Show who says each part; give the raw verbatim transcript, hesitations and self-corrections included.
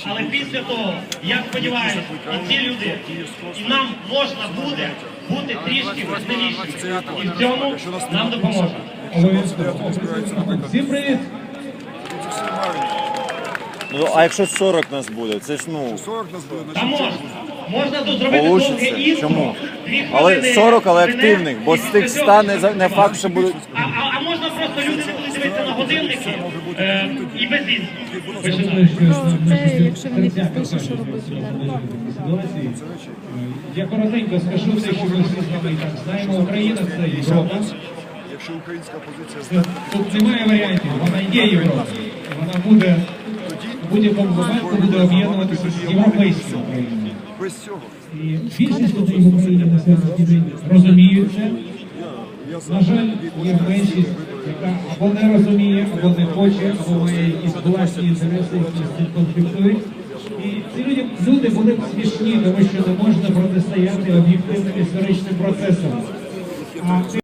Speaker 1: Але після того, я сподіваюся, і ці люди, і нам можна буде бути трішки веселішими. І в цьому нам допоможе.
Speaker 2: Всім привіт!
Speaker 3: Ну, а якщо сорок нас буде, це ж ну...
Speaker 4: сорок нас буде,
Speaker 1: Та можна. Можна тут зробити довге
Speaker 3: Получиться.
Speaker 1: інтро.
Speaker 3: Чому?
Speaker 1: дві
Speaker 3: Але
Speaker 1: хвилини
Speaker 3: сорок, але
Speaker 1: мене,
Speaker 3: активних, бо
Speaker 1: і
Speaker 3: з
Speaker 1: після
Speaker 3: тих
Speaker 1: цього
Speaker 3: ста не, за- не факт, що будуть...
Speaker 1: А, а, а можна просто люди не будуть дивитися на годинники е, і без віз.
Speaker 2: Це, якщо вони підпишуть, що робити далі. Я коротенько скажу те, що ми всі з вами і так знаємо. Україна – це Європа.
Speaker 4: якщо українська позиція
Speaker 2: Тут,
Speaker 4: здатна,
Speaker 2: тут немає варіантів, вона є Європа. Вона буде в будь-якому випадку буде об'єднуватися з європейською Україною.
Speaker 4: без цього.
Speaker 2: І більшість людей в Україні на сьогоднішній день розуміють це. На жаль, є меншість, яка або не розуміє, або не хоче, або має якісь власні інтереси, які з цим конфліктують. І ці люди, люди були б смішні, тому що не можна протистояти об'єктивним історичним процесам. А